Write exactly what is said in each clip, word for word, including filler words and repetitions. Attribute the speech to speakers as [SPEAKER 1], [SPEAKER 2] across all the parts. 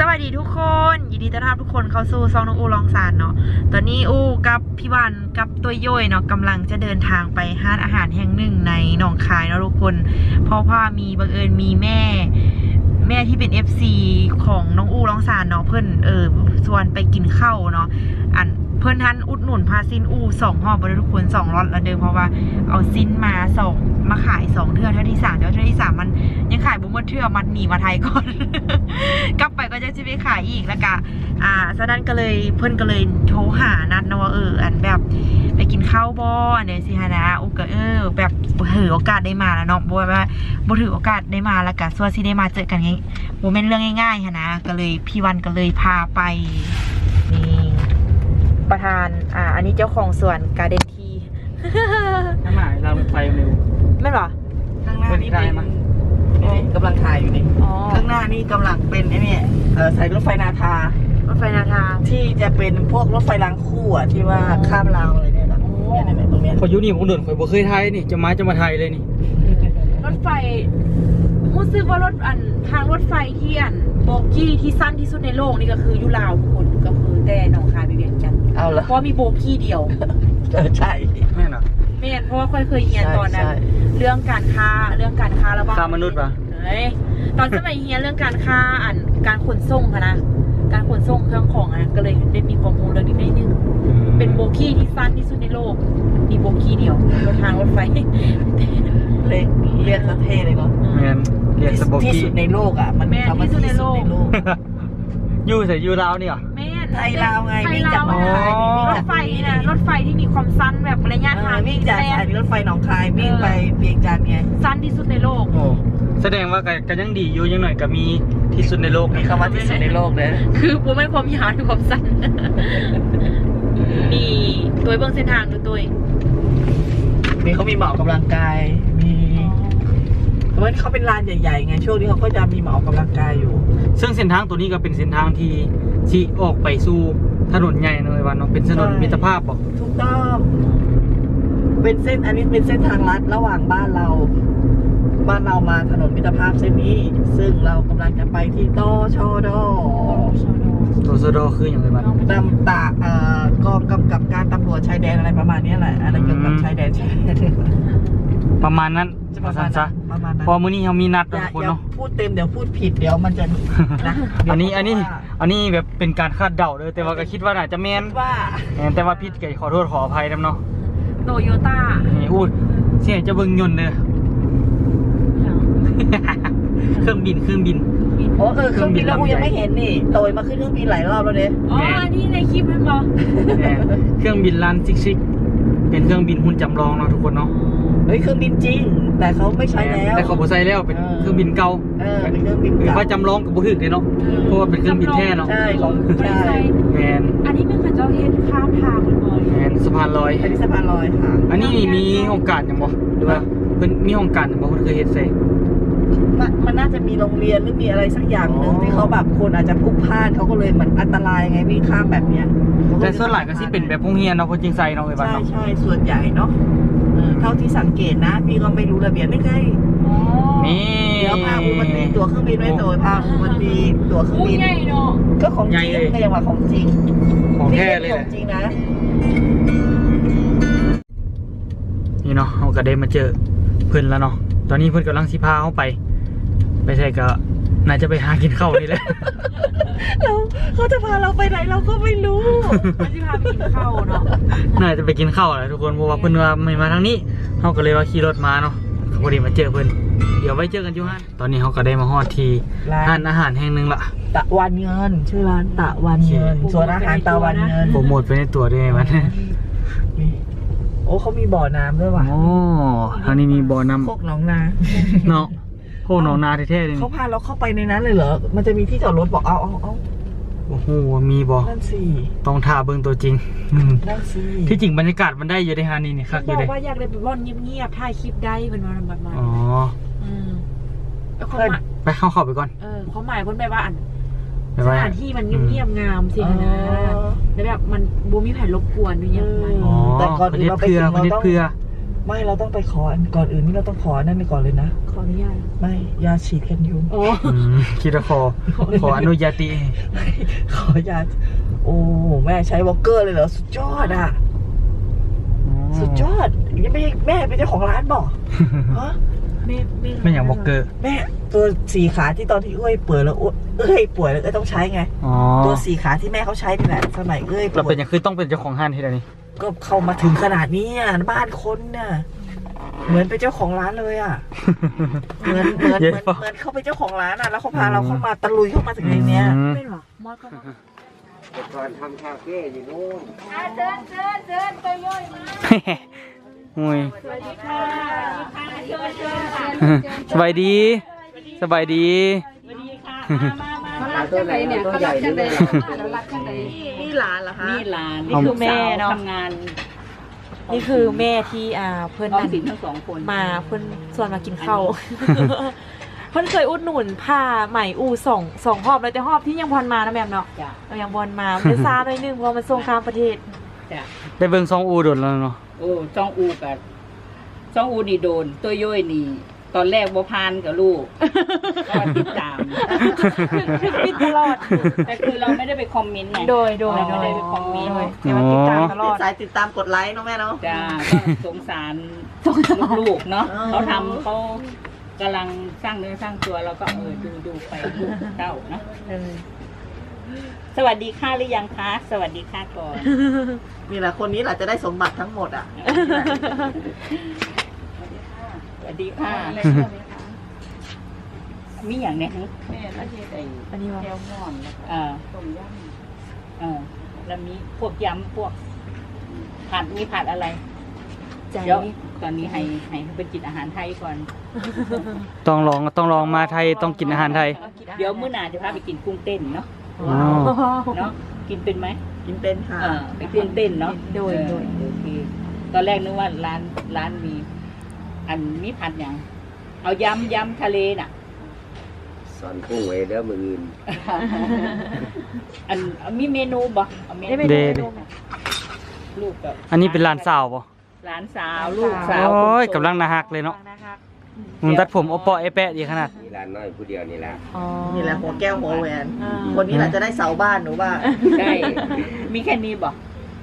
[SPEAKER 1] วัสดีทุกคนยินดีต้อนรับทุกคนเข้าสู่ซองน้องอูลองซานเนาะตอนนี้อูกับพี่วันกับตัวย่อยเนาะกำลังจะเดินทางไปห้านอาหารแห่งหนึ่งในหนองคายเนาะทุกคนเพราะว่ามีบังเอิญมีแม่แม่ที่เป็น เอฟ ซี ของน้องอูลองซานเนาะเพื่อนเออชวนไปกินข้าวเนาะอันเพื่อนท่านอุดหนุนพาซินอูสองห่อบริทุกคนสองรถละเดิมเพราะว่าเอาซินมาสองมาขายสองเทื่อเท่าที่สามเท่าที่สามมันยังขายบุ้มเทื่อมันหนีมาไทยก่อน กลับไปก็จะจะไปขายอีกแล้วก็อ่าฉะนั้นก็เลยเพื่อนก็เลยโทรหานัดนะว่าเอออันแบบไปกินข้าวบ่เนี่ยสิฮะนะโอ้ก็เออแบบถือโอกาสได้มาแล้วเนาะบ่ว่าบ่ถือโอกาสได้มาแล้วก็ส่วนที่ได้มาเจอกันไงบ่แม่นเรื่องง่ายๆฮะนะก็เลยพี่วันก็เลยพาไปนี่ประธานอ่าอันนี้เจ้าของสวนการ์เด้นที
[SPEAKER 2] น้ำหมายเราเป็นไฟเร็ว
[SPEAKER 1] ไม่หรอ
[SPEAKER 3] ข้างหน้านี่เป็นนี่กำลังถ่ายอยู่นี่ข้างหน้านี่กำลังเป็นไอ้นี่เออสายรถไฟนาทาร
[SPEAKER 1] ถไฟนาทา
[SPEAKER 3] ที่จะเป็นพวกรถไฟรางคู่อ่ะที่ว่าข้ามราวอะไรเนี่ยนะเนี่ยเนี่ยตรงเนี้ย
[SPEAKER 2] พอยุนี่ผมเดินข่อยบ่เคยไทยนี่จะมาจะมาไทยเลยนี่
[SPEAKER 1] รถไฟรู้สึกว่ารถอันทางรถไฟที่อันโบกี้ที่สั้นที่สุดในโลกนี่ก็คือยุลาวทุกคนก็คือแต่หนองคายไปเวียงจันทร์
[SPEAKER 3] เอาละ
[SPEAKER 1] เพราะมีโบกี้เดียว
[SPEAKER 3] ใช่
[SPEAKER 2] แม่นอ่ะ
[SPEAKER 1] แม่นเพราะว่าค่อยเคยเรียนตอนนั้นเรื่องการค้าเรื่องการค้าระหว่าง
[SPEAKER 2] ค้ามนุษย์ป่ะ
[SPEAKER 1] เฮ้ยตอนสมัยเรียนเรื่องการค้าอันการขนส่งค่ะนะการขนส่งเครื่องของอ่ะก็เลยได้มีความรู้เรื่องนี้ได้นึงเป็นโบกี้ที่สั้นที่สุดในโลกมีโบกี้เดียวรถทางรถไฟ
[SPEAKER 3] เรียกเรียกสะเทเลยเนาะ
[SPEAKER 2] แม่นเรียกสโบกี้
[SPEAKER 3] ที่สุดในโลกอ่ะมันคำว่าที่สุดในโลก
[SPEAKER 2] อยู่ใส่อยู่ลาวนี่เหรอ
[SPEAKER 1] แม่
[SPEAKER 3] ไทยลาวไงวิ่งจากหนองคาย
[SPEAKER 1] รถไฟนะรถไฟที่มีความสั้นแบบระยะทาง
[SPEAKER 3] วิ่งจากสถานีรถไฟหนองคายวิ่งไปเวียงจันทร์ไง
[SPEAKER 1] สั้นที่สุดในโลก
[SPEAKER 2] โอ้แสดงว่าก็ยังดีอยู่ยังหน่อยก็มีที่สุดในโลก
[SPEAKER 3] มีคำว่าที่สุดในโลกเลย
[SPEAKER 1] คือผมไม่ความยาวคือความสั้นนี่ตัวเบื้องเส้นทางดูตัว
[SPEAKER 3] มีเขามีหมอกำลังกายมีเพราะว่าเขาเป็นลานใหญ่ๆไงช่วงนี้เขาก็จะมีหมอกำลังกายอยู่
[SPEAKER 2] ซึ่งเส้นทางตัวนี้ก็เป็นเส้นทางที่ที่ออกไปสู่ถนนใหญ่เลยวันเนาะเป็นถนนมิตรภาพบอก
[SPEAKER 3] ถูกต้องเป็นเส้นอันนี้เป็นเส้นทางลัดระหว่างบ้านเราบ้านเรามาถนนมิตรภาพเส้นนี้ซึ่งเรากำลังจะไปที่ตชด
[SPEAKER 2] ตชดคืออย่างไรบ้าง
[SPEAKER 3] ตำตาเอ่อกองกำกับการตำรวจชายแดนอะไรประมาณนี้แหละอะไรเกี่ยวกับชายแดนชายแดน
[SPEAKER 2] ประมาณนั้นประมาณนั้นพอมื้อนี้เรามีนัดทุกคนเนาะ
[SPEAKER 3] พูดเต็มเดี๋ยวพูดผิดเดี๋ยวมันจะนะ
[SPEAKER 2] อันนี้อันนี้อันนี้แบบเป็นการคาดเดาเลยแต่ว่าก็คิดว่าน่าจะแม่น
[SPEAKER 3] ว่า
[SPEAKER 2] แต่ว่าผิดก็ขอโทษขออภัยนำเนาะ
[SPEAKER 1] โตโยต้า
[SPEAKER 2] นี่อูดเสียจะเบิ่งยนต์เด้อเครื่องบินเครื่องบิน
[SPEAKER 3] โอ้เออเครื่องบินแล้วกูยังไม่เห็นนี่โตยมาขึ้นเครื่องบินหลายรอบแล้วเนี่ย
[SPEAKER 1] อ๋อนี่ในคลิปมันบอก
[SPEAKER 2] เครื่องบินลานซิกซิกเป็นเครื่องบินหุ่นจำลองเนาะทุกคนเนาะ
[SPEAKER 3] เฮ้ยเครื่องบินจริงแต่เขาไม่ใช้แล้ว
[SPEAKER 2] แต่เขาบ่ใช้แล้วเป็นเครื่องบินเก่า
[SPEAKER 3] เออเป็นเครื่องบินเก่า
[SPEAKER 2] ว่าจำลองกับบ่ถึกเลยเนาะเพราะว่าเป็นเครื่องบินแท้เนาะ
[SPEAKER 3] ใช่ของใช่
[SPEAKER 2] แมน
[SPEAKER 1] อันนี้เป็นข้าเจ้าเฮ็ดข้ามทางเหมือนบ่
[SPEAKER 2] แมนสะพานลอย
[SPEAKER 3] อันนี้สะพานลอยค่ะ
[SPEAKER 2] อันนี้มีโอกาสยังบ่หรือว่าเพิ่นมีโอกาสยังบ่เพิ่นเคยเฮ็ดใส่
[SPEAKER 3] มันน่าจะมีโรงเรียนหรือมีอะไรสักอย่างนึงที่เขาแบบคนอาจจะพลุกพล่านเขาก็เลยเหมือนอันตรายไงวิ่งข้ามแบบเนี้ย
[SPEAKER 2] แต่ส่วนใหญ่ก็สิเป็นแบบโรงเรียนเนาะคนจริงใจเนาะไอ้บ้านเนาะ
[SPEAKER 3] ใช่ๆส่วนใหญ่เนาะเท่าที่สังเกตนะพี่ก็ไม่รู้ระเบียบไม่เคย
[SPEAKER 2] นี่
[SPEAKER 3] เดี๋ยวพาอูมันตีตั๋วเครื่องบินไว้โดยพาอูมันตีตั๋วเครื่องบินก็ของจริงก็ยังว่าของจริง
[SPEAKER 2] ของแท้เลย
[SPEAKER 3] ของจริงนะ
[SPEAKER 2] นี่เนาะเราก็ได้มาเจอเพื่อนแล้วเนาะตอนนี้เพื่อนกำลังสิพาเขาไปไปใช่ก็น่าจะไปหากินข้าวนี่แหละ
[SPEAKER 3] เราเขาจะพาเราไปไหนเราก็ไม่รู้
[SPEAKER 1] เขาจะพาไปกินข้าวเนาะ
[SPEAKER 2] น่าจะไปกินข้าวแหละทุกคนเพราะว่าเพื่อนว่าไม่มาทางนี้เขาก็เลยว่าขี่รถมาเนาะพอดีมาเจอเพื่อนเดี๋ยวไว้เจอกันอยู่ฮะตอนนี้เขาก็ได้มาฮอดที่ร้านอาหารแห่งหนึ่งละ
[SPEAKER 3] ตะวันเงินชื่อร้านตะวันเงินส่วนอาหารตะวันเงิน
[SPEAKER 2] โปรโมทไปในตัวด้วยมัน
[SPEAKER 3] โอ้เขามีบ่อน้ำด้วยว่ะ
[SPEAKER 2] โอ้ทางนี้มีบ่อน้ำ
[SPEAKER 3] โคกหนองนา
[SPEAKER 2] เนาะโคกหนองนาแท้ๆเลย
[SPEAKER 3] เขาพาเราเข้าไปในนั้นเลยเหรอมันจะมีที่จอดรถบอกเอาเอาเอา
[SPEAKER 2] โอ้โหมีบ่
[SPEAKER 3] นั่นสิ
[SPEAKER 2] ต้องท่าเบิ้งตัวจริง
[SPEAKER 3] นั่นสิ
[SPEAKER 2] ที่จริงบรรยากาศมันได้อยู่ในฮานี่นี่ครับ
[SPEAKER 1] อยู่เลยบอกว่าอยากได้ไปร่อนเงียบๆถ่ายคลิปได้เป็นวันแบบนั้น
[SPEAKER 2] อ๋อไปเข้าเข้าไปก่อน
[SPEAKER 1] เออเขาหมายคนไปว่าอันสถานที่มันเงียบๆงามสินะแล้วแบบมันบูมีแผ่นรบกวนด้วยเนี่ย
[SPEAKER 2] แต่ก่อนอื่นเราไปถึงเราต้อง
[SPEAKER 3] ไม่เราต้องไปขออันก่อนอื่นนี่เราต้องขอนั่นไปก่อนเลยนะ
[SPEAKER 1] ขออนุญาต
[SPEAKER 3] ไม่ยาฉีดกันยุง
[SPEAKER 1] โอ้
[SPEAKER 2] อืมคิดว่าขอขออนุญาติ
[SPEAKER 3] ขอยาโอ้แม่ใช้วอลเกอร์เลยเหรอสุดยอดอ่ะสุดยอดยังไม่แม่เป็นเจ้าของร้านบอกฮะ
[SPEAKER 1] ไม่ไม่
[SPEAKER 2] ไม่อย่างบอกเกอร์
[SPEAKER 3] แม่ตัวสี่ขาที่ตอนที่เอ้ยป่วยแล้วเอ้ยป่วยแล้วเอ้ยต้องใช้ไง
[SPEAKER 2] อ๋อ
[SPEAKER 3] ตัวสี่ขาที่แม่เขาใช้นี่แหละสมัยเอ้ยป่
[SPEAKER 2] เรา
[SPEAKER 3] ว
[SPEAKER 2] เป็น
[SPEAKER 3] ย
[SPEAKER 2] อย่างคือต้องเป็นเจ้าของห้างที่ใดนี่
[SPEAKER 3] ก็เข้ามาถึงขนาดนี้อ่ะบ้านคนน่ะเหมือนเป็นเจ้าของร้านเลยอ่ะเหมือนเหมือนเหมือนเหมือนเขาเป็นเจ้าของร้านอ่ะแล้วเขาพาเราเข้ามาตะลุยเข้ามาถึงในเนี้ย
[SPEAKER 2] อืม
[SPEAKER 1] ไม่หรอมอดก็มา
[SPEAKER 4] ก่อนทำคาเฟ่อยู่นู่น
[SPEAKER 1] เดินเดินเดินไปย่อยมา
[SPEAKER 2] โอ้ย
[SPEAKER 1] สวัสดีค่ะเชิญเชิญค่ะ
[SPEAKER 2] สบายดีสบายดี
[SPEAKER 1] สวัสดีค่ะมามามา
[SPEAKER 4] เขารับจังไหนเนี่ยเขารับจังไหน
[SPEAKER 1] นี่นี่หลานเหรอคะ
[SPEAKER 5] นี่หลาน
[SPEAKER 1] นี่คือแม่เนาะ
[SPEAKER 5] ทำงาน
[SPEAKER 1] นี่คือแม่ที่อ่าเพื่อน
[SPEAKER 5] ออม
[SPEAKER 1] นั่น
[SPEAKER 5] สินทั้งสองคน
[SPEAKER 1] มาเพื่อนชวนมากินข้าว เพื่อนเคยอุดหนุนผ้าไหมอูสองสองหอบเลยแต่หอบที่ยังพอนมานะแม่เนาะ
[SPEAKER 5] จ้ะ
[SPEAKER 1] เรายังบอลมามันซาหน่อยนึงเพราะมันส่งข้ามประเทศ
[SPEAKER 5] จ้ะ
[SPEAKER 2] ได้เบิ่งซองอูโดดแล้วเนาะ
[SPEAKER 5] โอ้จ้องอูกับจ้องอูนี่โดน ตัวย่อยนี่ ตอนแรกบ่พานกับลูก ก็ติดตาม
[SPEAKER 1] ปิดตลอด
[SPEAKER 5] แต่คือเราไม่ได้ไปคอมเมนต์ไง
[SPEAKER 1] โดยโดย
[SPEAKER 5] เราไม่ได้ไปคอมเมนต์
[SPEAKER 1] โดยแต่ว่าติดตามตลอด
[SPEAKER 3] สายติดตามกดไลค์เนาะแม่เนาะ
[SPEAKER 5] จ้าก็สงสารลูกๆเนาะ
[SPEAKER 3] อ๋อ
[SPEAKER 5] เขาทำเขากำลังสร้างเนื้อสร้างตัวเราก็เออดูดูไปลูกเต้าเนาะ
[SPEAKER 1] เออ
[SPEAKER 5] สวัสดีค่ะหรือยังคะสวัสดีค่ะก่อน
[SPEAKER 3] นี่แหละคนนี้แหละจะได้สมบัติทั้งหมดอ่ะ
[SPEAKER 5] สวัสดีค่ะมีอย่างเนี้ยแม่ละเทศไอ้
[SPEAKER 1] อันนี้ว่า
[SPEAKER 5] แก้วม่อนเอ่อต้มยำเออแล้วมีพวกยำพวกผัดมีผัดอะไร
[SPEAKER 1] ใจ
[SPEAKER 5] เดี๋ยวตอนนี้ให้ให้เขาไปกินอาหารไทยก่อน
[SPEAKER 2] ต้องลองต้องลองมาไทยต้องกินอาหารไทย
[SPEAKER 5] เดี๋ยวมื้อหน้าจะพาไปกินกุ้งเต้นเนาะ
[SPEAKER 2] อ๋อ
[SPEAKER 5] เนาะกินเป็นไหม
[SPEAKER 3] กินเป็นค่ะ
[SPEAKER 5] เออไปกุ้งเต้นเนาะ
[SPEAKER 1] โดยโดย
[SPEAKER 5] เออโอเคตอนแรกนึกว่าร้านร้านมี อันมีผัดอย่างเอายำยำทะเลน่ะ
[SPEAKER 4] สอนกุ้งไว้เด้อมืออื่น
[SPEAKER 5] อันมีเมนูบ่เอาเม
[SPEAKER 1] ได้
[SPEAKER 5] นู
[SPEAKER 1] ไป
[SPEAKER 2] เด
[SPEAKER 1] ดู
[SPEAKER 2] เด
[SPEAKER 5] ลูกกับ
[SPEAKER 2] อันนี้เป็นร้านสาวป่ะ
[SPEAKER 5] หลานสาวลูกสาว
[SPEAKER 2] โอ้ย
[SPEAKER 5] คนโต
[SPEAKER 2] กำลังน่าฮักเลยเนาะ
[SPEAKER 1] นะคะ
[SPEAKER 2] มึงตัดผมโอปอไอแปะดีขนาด
[SPEAKER 4] มีร้านน้อยผู้เดียวนี่แหละ
[SPEAKER 1] อ๋อ
[SPEAKER 3] นี่แหละหัวแก้วหัวแหวน
[SPEAKER 1] อ่า
[SPEAKER 3] คนนี้แหละจะได้เสาบ้านหนูว่า
[SPEAKER 5] ได้มีแค่นี้บ่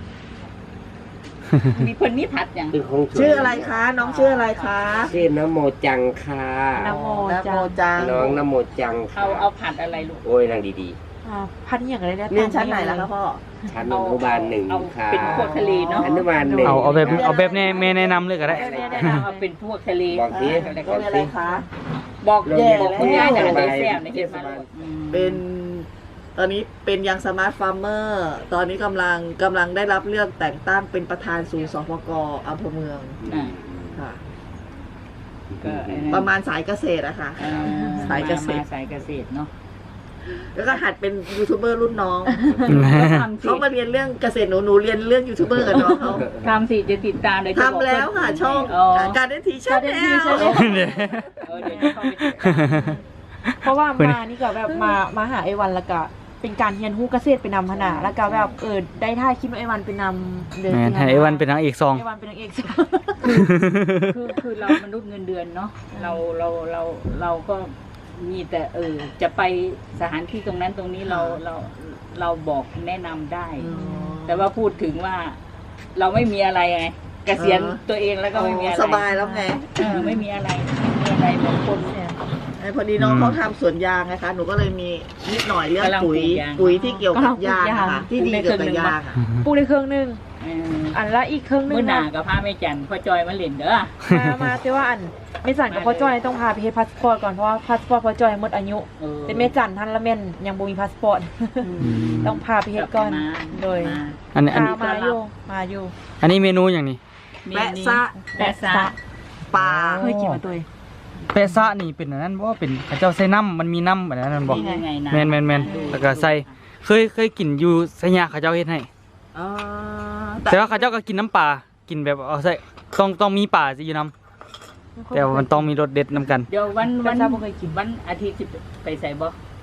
[SPEAKER 5] มีคนนี้ผัดอย่าง
[SPEAKER 4] คือของ
[SPEAKER 3] ชื่ออะไรคะ น้องชื่ออะไรคะ
[SPEAKER 4] ชื่อนโมจังค่ะ
[SPEAKER 1] นะโม
[SPEAKER 3] นะโม
[SPEAKER 1] จ้า
[SPEAKER 3] จัง
[SPEAKER 4] น้องนโมจังค่ะ
[SPEAKER 5] เอาเอาผัดอะไรลูก
[SPEAKER 4] โอ้ยนางดี
[SPEAKER 1] อ่าพันนี่อย่างไรได้
[SPEAKER 3] เรียนชั้นไหนแล้วคะพ่อ
[SPEAKER 4] ๆชั้นอนุบาลหนึ่ง
[SPEAKER 5] เอา
[SPEAKER 4] ค่ะ
[SPEAKER 5] เป็นพวกทะเลเนาะ
[SPEAKER 4] อนุบาลหนึ่ง
[SPEAKER 2] เอาเอาแบบเอาแบบแน่แม่แนะนำเลยก็ได้
[SPEAKER 5] เอาเป็นพวกทะเล
[SPEAKER 4] บอกสิ
[SPEAKER 5] อะไร
[SPEAKER 3] ก็
[SPEAKER 5] ก็
[SPEAKER 3] เป็นอะไรคะ
[SPEAKER 5] บอก
[SPEAKER 3] แย่
[SPEAKER 5] บอกคุณยายแต่ได้แซ่บในเฮ็ดมา
[SPEAKER 3] เป็น ตอนนี้เป็นยังสมาร์ทฟาร์มเมอร์ ตอนนี้กำลังกำลังได้รับเลือกแต่งตั้งเป็นประธานศูนย์สพกอำเภอเมือง
[SPEAKER 5] อ่า
[SPEAKER 3] ค่ะ
[SPEAKER 5] ก็ไอ้นั่น
[SPEAKER 3] ประมาณสายเกษตรอะค่ะ
[SPEAKER 5] อ่
[SPEAKER 3] สายเกษตร
[SPEAKER 5] มสายเกษตรเนาะ
[SPEAKER 3] แล้วก็หัดเป็นยูทูบเบอร์รุ่นน้อง
[SPEAKER 5] ก็ทำสิ
[SPEAKER 3] เขามาเรียนเรื่องเกษตรหนูหนูเรียนเรื่องยูทูบเบอร์กับน้องเขา
[SPEAKER 5] ทำสิจะติดตามเลยจะบอก
[SPEAKER 3] ทำแล้วค่ะ ช่อง
[SPEAKER 5] อ๋อ
[SPEAKER 3] การเดนทีชั่นแนล
[SPEAKER 2] เนี่ย
[SPEAKER 5] เออเดี๋ยวจะเข้าไปติดตาม
[SPEAKER 1] เพราะว่ามานี่ก็แบบมามาหาไอวันแล้วก็เป็นการเรียนรู้เกษตรเป็นนำขนาดแล้วก็แบบเออได้ท่ายคลิปไอวันเป็นนำเดิน
[SPEAKER 2] แม่นให้ไอวันเป็นนางเอกซอง
[SPEAKER 1] ไอวันเป็นนางเอก
[SPEAKER 5] คือคือเรามนุษย์เงินเดือนเนาะเราเราเราเราก็มีแต่เออจะไปสถานที่ตรงนั้นตรงนี้เราเราเราบอกแนะนำได้ แต่ว่าพูดถึงว่า เราไม่มีอะไรไงเกษียณตัวเองแล้วก็ไม่มีอะไร
[SPEAKER 3] สบายแล้วไง
[SPEAKER 5] เออไม่มีอะไรไม่มีอะไรบางคน
[SPEAKER 3] ไอ้พอดีน้องเขาทำสวนยางนะคะ หนูก็เลยมีนิดหน่อยเรื่องปุ๋ย ปุ๋ยที่เกี่ยวกับยางนะคะที่ดีเกี่ยวกับยางอะ
[SPEAKER 1] ปลูกได้เครื่องหนึง
[SPEAKER 5] เออ
[SPEAKER 1] อันละอีกเครื่องหนึง
[SPEAKER 5] เมื่อหนา
[SPEAKER 1] นะ
[SPEAKER 5] กับพาแม่จันพ่อจอยมาเล่นเด้อ
[SPEAKER 1] มามาแต่ว่าอันไม่สั่นกับพ่อจ้อยต้องพาไปเฮ็ดพาสปอร์ตก่อนเพราะว่าพาสปอร์ตพ่อจ้อยหมดอายุ
[SPEAKER 5] เออ
[SPEAKER 1] แต่แม่จันทันละแม่นยังบ่มีพาสปอร์ต ต้องพาไปเฮ็ดก่อน
[SPEAKER 5] มา
[SPEAKER 1] โดย
[SPEAKER 5] มา
[SPEAKER 2] อันนี้อัน
[SPEAKER 1] พา
[SPEAKER 2] นี้
[SPEAKER 1] มาอยู่มาอยู่
[SPEAKER 2] อันนี้เมนูอย่างนี้
[SPEAKER 3] แปะซะ
[SPEAKER 5] แปะซะ
[SPEAKER 3] ปลา
[SPEAKER 1] เคยกินมาตัวเอง
[SPEAKER 2] แปะซะนี่เป็นอันนั้นบ่เป็นเขาเจ้าใส่น้ำมันมีน้ำแบบนั้นบ่
[SPEAKER 5] นี่ไงนะ
[SPEAKER 2] แม่นแม่นแม่นแล้วก็ใส่เคยเคยกินอยู่ไสยาเขาเจ้าเฮ็ดให้
[SPEAKER 3] อ๋อ
[SPEAKER 2] แต่ว่าเขาเจ้าก็กินน้ำปลากินแบบเอาใส่ต้องต้องมีปลาสิอยู่น้ำแต่ว่ามันต้องมีรสเด็ดน้ำกัน
[SPEAKER 5] เดี๋ยววัน
[SPEAKER 1] วั
[SPEAKER 5] วัน น
[SPEAKER 1] เช้าบ่เคยกิน
[SPEAKER 5] วันอาทิตย์สิไปใส่บ่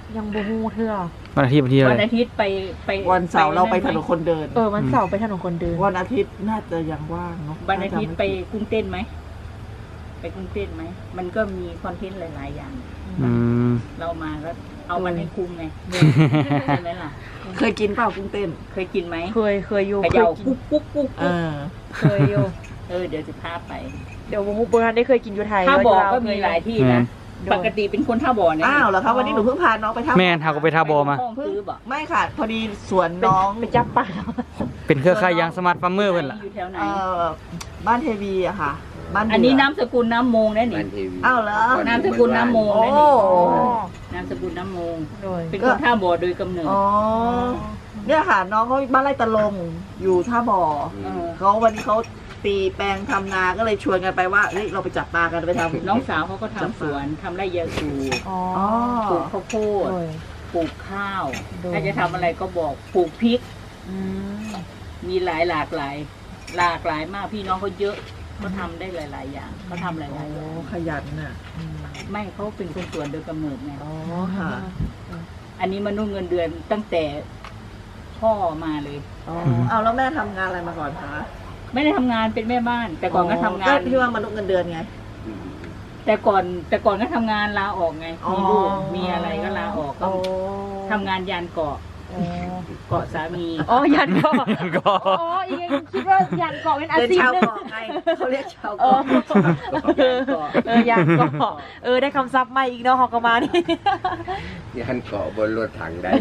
[SPEAKER 1] ยังบ่ฮู้เทื่อ
[SPEAKER 2] วันอาทิตย์วันที่อะ
[SPEAKER 5] วัน
[SPEAKER 2] ไร
[SPEAKER 5] อาทิตย์ไปไป
[SPEAKER 3] วันเสาร์เราไปถนนคนเดิน
[SPEAKER 1] เออวันเสาร์ไปถนนคนเดิน
[SPEAKER 3] วันอาทิตย์น่าจะยังว่างเนาะ
[SPEAKER 5] วันอาทิตย์ไปกุ้งเต้นไหมไปกุ้งเต้นไหมมันก็มีคอนเทนต์หลายๆอย่าง
[SPEAKER 2] อืม
[SPEAKER 5] เรามาก็เอามันให้คุ้มไงใช่ไหมล่ะ
[SPEAKER 3] เคยกินเปล่ากุ้งเต้น
[SPEAKER 5] เคยกินไหม
[SPEAKER 1] เคยเคยอยู่
[SPEAKER 5] เข
[SPEAKER 1] เคย
[SPEAKER 5] ย่า
[SPEAKER 1] กิน
[SPEAKER 5] ปุ๊กปุ๊กปุ๊ก
[SPEAKER 3] เออ
[SPEAKER 1] เคยอยู่
[SPEAKER 5] เออเดี๋ยวจะพาไป
[SPEAKER 1] เดี๋ยวบ่ฮู้บ่ทันได้เคยกินอยู่ไทย
[SPEAKER 5] ท่าบ่อ
[SPEAKER 1] เร
[SPEAKER 5] ก็มีหลายที่นะ
[SPEAKER 1] โดย
[SPEAKER 5] ปกติเป็นคนท่าบ่อเนี่ย
[SPEAKER 3] อ้าวเหรอคะวันนี้หนูเพิ่งพาน้องไปท่า
[SPEAKER 2] แม่นหาก็ไปทาบอมา
[SPEAKER 5] ห้องซื้อบ่
[SPEAKER 3] ไม่ค่ะ พอดีสวน
[SPEAKER 1] เป็น
[SPEAKER 3] น้อง
[SPEAKER 1] ไปจับปลา
[SPEAKER 2] เป็นเครือข่ายยางสมาร์ทฟาร์มเมอร์เพิ่นล่ะ
[SPEAKER 5] อยู่แถวไหน
[SPEAKER 3] เอ่อบ้านเทวีอะค่ะ บ้าน
[SPEAKER 5] อันนี้
[SPEAKER 3] เดื
[SPEAKER 5] น้ำสกุลน้ำโมงนะนี่
[SPEAKER 4] บ้านเทวี
[SPEAKER 3] อ้าวเหรอ
[SPEAKER 5] นามสกุลน้ำโมง
[SPEAKER 3] โอ้
[SPEAKER 5] นะนี่นามสกุลน้ำโมง
[SPEAKER 1] โดย
[SPEAKER 5] เป็นคนท่าบ่อโดยกำเนิด
[SPEAKER 3] อ๋อเนี่ยค่ะ น้องเขาบ้านไร่ตะลงอยู่ท่าบ่อ
[SPEAKER 5] เออ
[SPEAKER 3] เขาวันนี้เขาตีแปลงทำนาก็เลยชวนกันไปว่าเฮ้ยเราไปจับปลากันไปทำ
[SPEAKER 5] น้องสาวเขาก็ทำสวนทำไร่ยาสูบ
[SPEAKER 1] อ๋อ
[SPEAKER 3] อ๋อ
[SPEAKER 5] ปลูกข้าวโพด
[SPEAKER 1] โดย
[SPEAKER 5] ปลูกข้าว
[SPEAKER 1] โดย
[SPEAKER 5] ถ้าจะทำอะไรก็บอกปลูกพริก
[SPEAKER 1] อืม
[SPEAKER 5] มีหลายหลากหลาย หลากหลายมากพี่น้องเขาเยอะเขาทำได้หลาย ๆ อย่างเขาทำหลายๆอย่าง
[SPEAKER 3] โอ้ขยันน่ะ
[SPEAKER 5] ไม่เขาเป็นคนสวนโดยกำเนิดไง
[SPEAKER 3] อ๋อค่ะ
[SPEAKER 5] อันนี้มนุษย์เงินเดือนตั้งแต่พ่อมาเลย
[SPEAKER 3] อ๋อเอาแล้วแม่ทำงานอะไรมาก่อนคะ
[SPEAKER 5] ไม่ได้ทำงานเป็นแม่บ้าน แต่ก่อนก็ทำงาน
[SPEAKER 3] ก็ที่ว่ามนุษย์เงินเดือนไง
[SPEAKER 5] แต่ก่อนแต่ก่อนก็ทำงานลาออกไง
[SPEAKER 3] อ๋อ
[SPEAKER 5] มีลูกมีอะไรก็ลาออกก็
[SPEAKER 3] โอ้
[SPEAKER 5] ทำงานยานเกาะ
[SPEAKER 1] อ๋อ
[SPEAKER 5] เกาะสามี
[SPEAKER 1] อ๋อยันเกาะ
[SPEAKER 2] ก็
[SPEAKER 1] อ๋ออีกคิดว่ายันเกาะเป็นอา
[SPEAKER 3] เป็น
[SPEAKER 1] ชีพ
[SPEAKER 3] ชาว
[SPEAKER 1] หนึง
[SPEAKER 3] เกาะไงเขาเรียกชาว
[SPEAKER 1] เออ
[SPEAKER 3] เกาะ
[SPEAKER 1] เออเออยันเกาะเออได้คำศัพท์ใหม่อีกเนาะฮอกกมานี่
[SPEAKER 4] ยันเกาะบนรถถังได้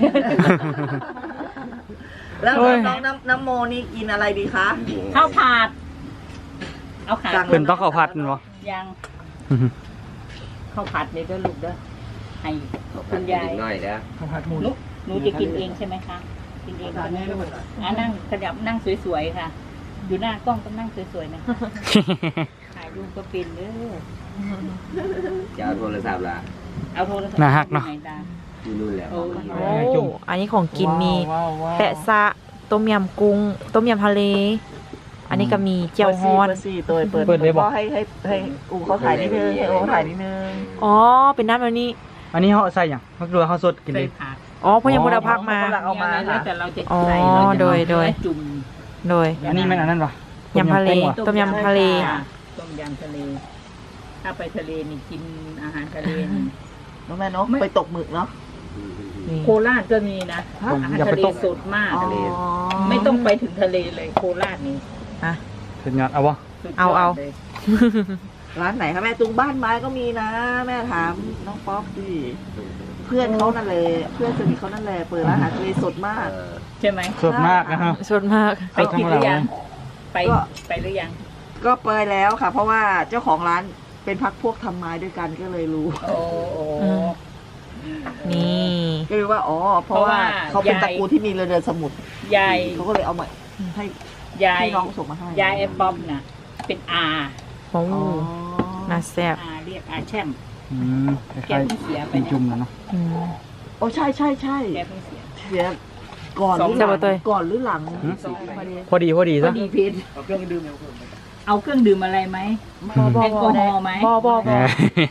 [SPEAKER 3] แล้วน้องน้ำน้ำโมนี่กินอะไรดีคะ
[SPEAKER 5] ข้าวผัดเอาขา
[SPEAKER 3] สั่ง
[SPEAKER 2] เพิ่นต้องเข้าพัดแม่นบ่
[SPEAKER 5] ยังข้าวผัดนี่ก็ลูกเด้อให้
[SPEAKER 4] คุ
[SPEAKER 5] คุณ ณ
[SPEAKER 4] ยาย
[SPEAKER 5] าย
[SPEAKER 4] น้อยแล้ว
[SPEAKER 5] หนูหนูจะกินเองใช่ไหมคะกินเองใช่ไหมลูกอ่ะนั่งขยับนั่งสวยๆค่ะ อยู่หน้ากล้องก็นั่งสวยๆนะถ่ายรูปก็เป็นเด้อ
[SPEAKER 4] จะเอาโทรศัพท์ละ
[SPEAKER 5] เอาโทรศัพท์
[SPEAKER 2] น่าฮักเนาะ
[SPEAKER 5] ไหตา
[SPEAKER 4] ที่นู่นแล้ว
[SPEAKER 5] โอ้
[SPEAKER 1] โอ้อันนี้ของกินมี
[SPEAKER 3] ว้าวว้าว
[SPEAKER 1] แปะซะต้มยำกุ้ง ต้มยำทะเล อันนี้ก็มีเจียวฮอน
[SPEAKER 3] เปิดซี่เปิดซี่
[SPEAKER 2] เปิดเลยบอก
[SPEAKER 3] ให้ให้ให้อูเขาถ่ายนิดนึงให้อูเขาถ่ายนิดนึง
[SPEAKER 1] อ๋อ เป็นน้ำแบบนี้
[SPEAKER 2] อันนี้เฮาใส่หยังมักดูเฮาสดกิน
[SPEAKER 5] ใส่
[SPEAKER 2] เอง
[SPEAKER 5] ผัก
[SPEAKER 1] อ๋อเพราะยังบไดพักมา
[SPEAKER 3] เอามา
[SPEAKER 5] แล้ว
[SPEAKER 3] ค่ะ
[SPEAKER 5] แต่เราจะ
[SPEAKER 1] อ๋อ
[SPEAKER 5] ใส่เราจะ
[SPEAKER 1] โดยโดย
[SPEAKER 5] จุ่ม
[SPEAKER 1] โดย
[SPEAKER 2] อันนี้แม่นอันนั้นปะ
[SPEAKER 1] ยำทะเล
[SPEAKER 2] ต้มยำกุ้งว
[SPEAKER 1] ต้มยำทะเล
[SPEAKER 5] ค่ะต้มยำทะเล ถ้าไปทะเลนี่กินอาหารทะเลนี่
[SPEAKER 3] น้องแม่เนาะไปตกหมึกเนาะ
[SPEAKER 1] นี่
[SPEAKER 5] โคราชก็มีนะอาหาร
[SPEAKER 2] อย่าไป
[SPEAKER 5] ทะเล
[SPEAKER 2] ตก
[SPEAKER 5] สดมาก
[SPEAKER 3] อ๋อ
[SPEAKER 5] ไม่ต้องไปถึงทะเลเลยโคราชนี่
[SPEAKER 1] อ่ะ
[SPEAKER 2] ถึงงานเอาบ่
[SPEAKER 5] สุดยด
[SPEAKER 1] เอาเอา
[SPEAKER 5] ลย
[SPEAKER 3] ร้านไหนคะแม่ตรงบ้านไม้ก็มีนะ แม่ถามน้องป๊อปดิเพื่อนเขานั่นเลยเพื่อนสนิทเขานั่นแหละเปิดร้านอาหารทะเลสดมาก
[SPEAKER 4] เออ
[SPEAKER 5] ใช่ไหม
[SPEAKER 2] สดมากนะฮะ
[SPEAKER 1] สดมาก
[SPEAKER 5] ไปกินหรือยังไป
[SPEAKER 3] ก็
[SPEAKER 5] ไปหรือยัง
[SPEAKER 3] ก็เปิดแล้วค่ะ เพราะว่าเจ้าของร้านเป็นพักพวกทำไม้ด้วยกันก็เลยรู้
[SPEAKER 5] โอ้โห
[SPEAKER 1] อืม นี่
[SPEAKER 3] ก็รู้ว่าอ๋อเพราะว่า
[SPEAKER 5] เพราะว่า
[SPEAKER 3] เขาเป็น
[SPEAKER 5] ยาย
[SPEAKER 3] ตระกูลที่มีเรือเดินสมุทร
[SPEAKER 5] ยาย
[SPEAKER 3] เขาก็เลยเอามาให้
[SPEAKER 5] ยาย
[SPEAKER 3] พี่น้องส่งมาให้
[SPEAKER 5] ยายไอ้ป๊อปน่ะ เป็นอา
[SPEAKER 1] โอ้
[SPEAKER 3] อ๋อ
[SPEAKER 1] น่าแซ่บ
[SPEAKER 5] อาเรียกอาแช่ม
[SPEAKER 2] อืมค
[SPEAKER 5] แก
[SPEAKER 2] ล้าย
[SPEAKER 5] เพิ่งเสีย
[SPEAKER 2] ๆ
[SPEAKER 5] ไป
[SPEAKER 2] เป็น
[SPEAKER 5] เนี่ย
[SPEAKER 2] จุ่มแล้วเนาะ
[SPEAKER 1] อืม
[SPEAKER 3] โอ้ใช่ใช่ใช่
[SPEAKER 5] แกเพิ่งเสีย
[SPEAKER 3] เสียก่อนหรือห
[SPEAKER 1] ส
[SPEAKER 3] ลั
[SPEAKER 1] อง งเดือน
[SPEAKER 3] ก่อนหรือหลัง
[SPEAKER 2] หืม
[SPEAKER 3] สองประเด็น
[SPEAKER 2] พอดีพอดี
[SPEAKER 5] พอ
[SPEAKER 2] ซะ
[SPEAKER 5] ดีเพชรเอาเครื่องดื่มเอาเครื่องดื่มอะไรไหม
[SPEAKER 1] บอบอ
[SPEAKER 5] แอลกอฮอล์ไหม
[SPEAKER 1] บอบอบอ